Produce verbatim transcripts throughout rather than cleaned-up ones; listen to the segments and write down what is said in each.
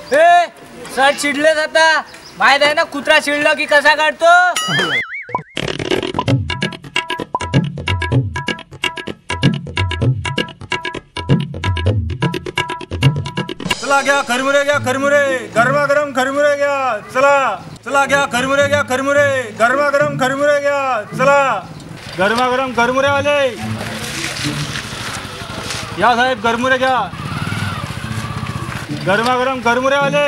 ए sir चिडले जाता माहित आहे ना कुत्रा चिडला की कसा काढतो. चला घ्या खरमुरे घ्या खरमुरे गरमागरम खरमुरे घ्या चला. चला घ्या खरमुरे घ्या खरमुरे गरमागरम खरमुरे घ्या चला. गरमागरम खरमुरे आले या साहेब खरमुरे घ्या. गरमागरम खरमुरे आले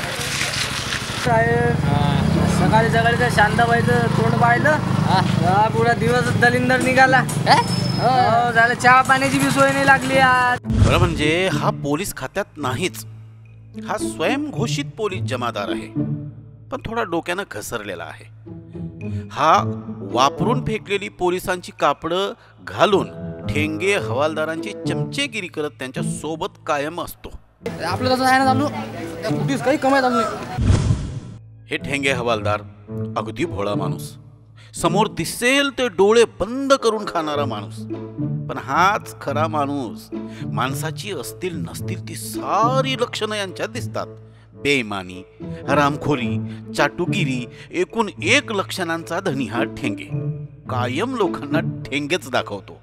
साहेब. सकाळी सकाळी त्या शांताबाईचं तोंड पाहिलं हा पुरा दिवस दलिंदर निघाला. हो झालं चहा पाण्याची बी सोय नाही लागली आज. खरं म्हणजे हा पोलीस खात्यात नाहीच, हा स्वयंघोषित पोलीस जमादार आहे, पण थोडा डोक्यानं घसरलेला आहे. हा वापरून फेकलेली पोलिसांची कापडं घालून ठेंगे हवालदारांची चमचेगिरी करत त्यांच्या सोबत कायम असतो. आपलं तसं आहे ना चालू कुठेच काही कमाई चालू नाही. हे ठेंगे हवालदार अगदी भोळा माणूस, समोर दिसेल ते डोळे बंद करून खाणारा माणूस, पण हाच खरा माणूस. माणसाची असतील नसतील ती सारी लक्षणं यांच्यात दिसतात. बेईमानी, हरामखोरी, चाटुगिरी, एकूण एक लक्षणांचा धनी हा ठेंगे. कायम लोकांना ठेंगेच दाखवतो.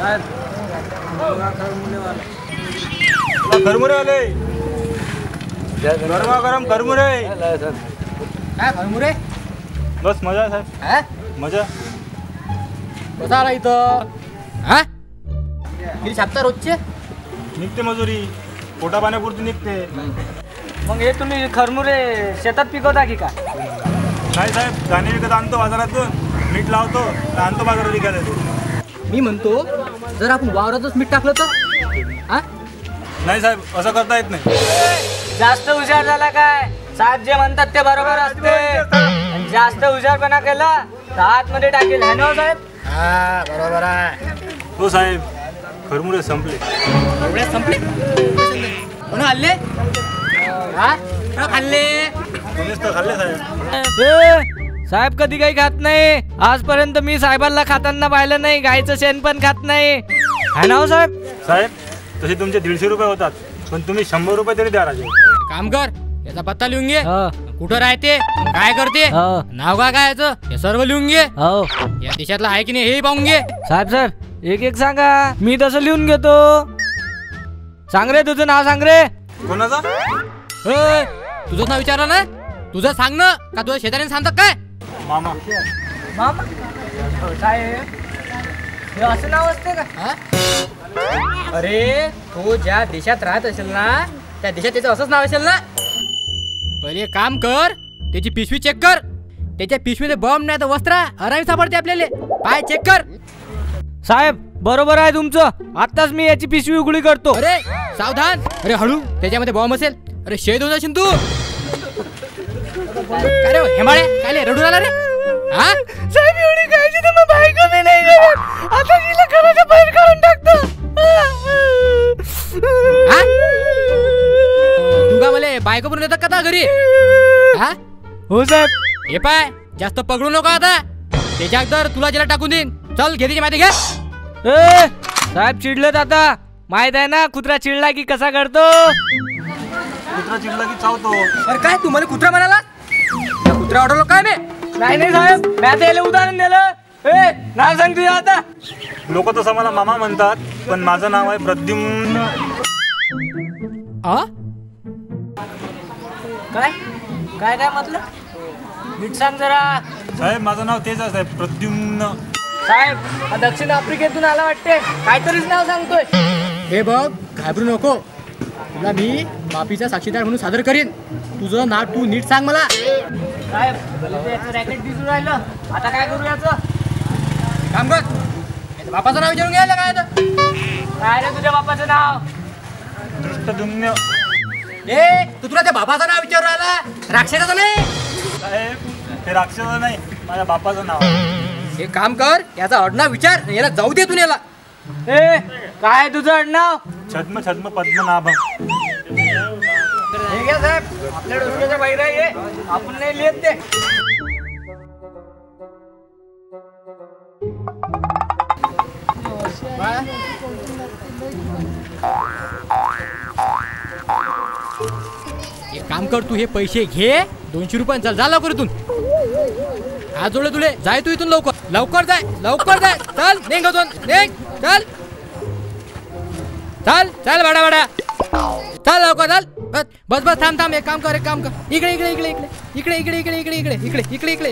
खरमुरे आले गरमागरम खरमुरे. काय खरमुरे? बस मजा साहेब मजा. कसा आला इथं हा किती छापता रोजचे? निघते मजुरी पोटा पाण्यापुरती निघते. मग हे तुम्ही खरमुरे शेतात पिकवता की काय? नाही साहेब धान्य विकत आणतो बाजारातून, मीठ लावतो आणतो बाजारात विकायला येतो. मी म्हणतो जर आपण वावरातच मीठ टाकलं तर हा? नाही साहेब असं करता येत नाही. जास्त हुशार झाला काय? साहेब जे म्हणतात ते बरोबर असते. जास्त हुशारपणा केला तर आतमध्ये टाकेल है ना साहेब? हा बरोबर आहे. हो साहेब खरमुरे संपले. एवढे संपले म्हणून हल्ले हा खाल्ले तुम्हीच तर खाल्ले साहेब. ए, साहेब कधी काही खात नाही. आजपर्यंत मी साहेबांना खाताना पाहिलं नाही. गायचं शेण पण खात नाही है ना साहेब? साहेब तसे तुमचे दीडशे रुपये होतात, पण तुम्ही शंभर रुपये तरी द्या राजे. काम कर याचा पत्ता लिहून घे. कुठं राहते काय करते नाव काय काय याचं हे सर्व लिहून घे. या देशातलं आहे की नाही हे पाहून घे. साहेब साहेब एक एक सांगा. मी तसं लिहून घेतो. सांग रे तुझं नाव सांग रे. कोणाचा? तुझं नाव विचारलं ना तुझं सांग ना का तुझ्या शेजाऱ्याने सांगतात काय? मामा. मामा साहेब हे असं नाव असते का? अरे तो ज्या देशात राहत असेल ना त्या देशात त्याचं असंच नाव असेल ना. पहिले काम कर त्याची पिशवी चेक कर. त्याच्या पिशवीमध्ये बॉम्ब नाही तर वस्त्र आरामी सापडते आपल्याला. पाय चेक कर. साहेब बरोबर आहे तुमचं. आताच मी याची पिशवी उघडी करतो. अरे सावधान. अरे हळू त्याच्यामध्ये बॉम्ब असेल. अरे शहीद होऊन जाशील तू. काय रे हेमाळे काय रडून आला रे? हा साहेब एवढी काळजी तर मग बायको मी नाही करत. आता तिला घराच्या बाहेर काढून टाकतो. हा तू का मला बायको पण येतात का घरी? हा हो साहेब. हे पाय जास्त पकडू नको आता. त्याच्या अगोदर तुला ज्याला टाकून देईन. चल घे त्याची माहिती घ्या. ए साहेब चिडलेत आता. माहित आहे ना कुत्रा चिडला की कसा करतो? कुत्रा चिडला की चावतो. अरे काय तू मला कुत्रा म्हणाला? कुत्रा ऑर्डर काय मी? नाही नाही साहेब मी त्याला उदाहरण दिलं. ए नाव सांग तुझं आता. लोक तसं मला मामा म्हणतात, पण माझं नाव आहे प्रद्युम्न. काय काय काय म्हटलं? नीट सांग जरा. साहेब माझं नाव तेच आहे साहेब प्रद्युम्न. साहेब हा दक्षिण आफ्रिकेतून आला वाटते. काहीतरीच नाव सांगतोय. हे बघ घाबरू नको. तुला मी माफीचा साक्षीदार म्हणून सादर करीन. तुझं नाव तू नीट सांग मला. साहेब रॅकेट दिसून राहिलं. आता काय करू याचं? काम कर बापाचं नाव विचारून घ्यायला काय आता? काय रे तुझ्या बापाचं नाव? दृष्टद्युम्न. ए तू तुला त्या बापाचं नाव विचारून राहिला? राक्षसाचं नाही. साहेब हे राक्षस नाही माझ्या बापाचं नाव आहे. हे काम कर याचा आडनाव विचार. याला जाऊ दे तू याला. ए काय तुझं आडनाव? छद्म छद्म पद्मनाभम. ठीक आहे साहेब आपल्या डोक्याच्या बाहेर आहे. आपण नाही लिहित ते. एक काम कर, तू हे पैसे घे, दोनशे रुपये. चल जा लवकर इथून. आज जोडले तुले, जाय तू इथून लवकर. लवकर जाय, लवकर जाय. चल निघ इथून, निघ. चल चल चल बाडा बाडा. चल लवकर चल. बस बस बस थांब थांब. एक काम कर, एक काम कर. इकडे इकडे इकडे इकडे इकडे इकडे इकडे इकडे इकडे इकडे इकडे इकडे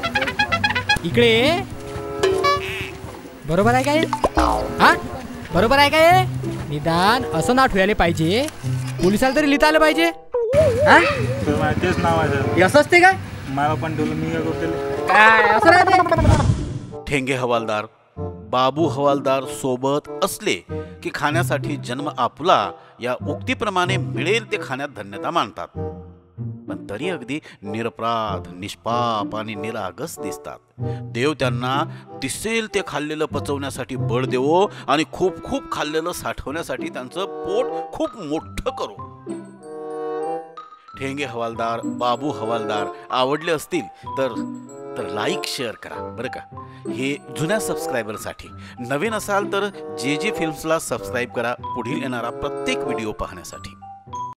इकडे. बरोबर आहे काय? हा बरोबर आहे काय? निदान असं नाव ठेवायला पाहिजे, पोलिसाला तरी लिहिता आलं पाहिजे. हा तर माझं तेच नाव आहे सर. असं असते काय? मला पण ठेवलं, मी काय करतो काय असं राहते? ठेंगे हवालदार बाबू हवालदार सोबत असले की खाण्यासाठी जन्म आपुला या उक्तीप्रमाणे मिळेल ते खाण्यात धन्यता मानतात. पण तरी अगदी निरपराध, निष्पाप आणि निरागस दिसतात. देव त्यांना दिसेल ते खाल्लेलं पचवण्यासाठी बळ देवो आणि खूप खूप खाल्लेलं साठवण्यासाठी त्यांचं पोट खूप मोठं करो. ठेंगे हवालदार बाबू हवालदार आवडले असतील तर तर लाईक शेअर करा बरं का. हे जुन्या सबस्क्रायबरसाठी. नवीन असाल तर जे जे फिल्म्सला सबस्क्राईब करा पुढील येणारा प्रत्येक व्हिडिओ पाहण्यासाठी.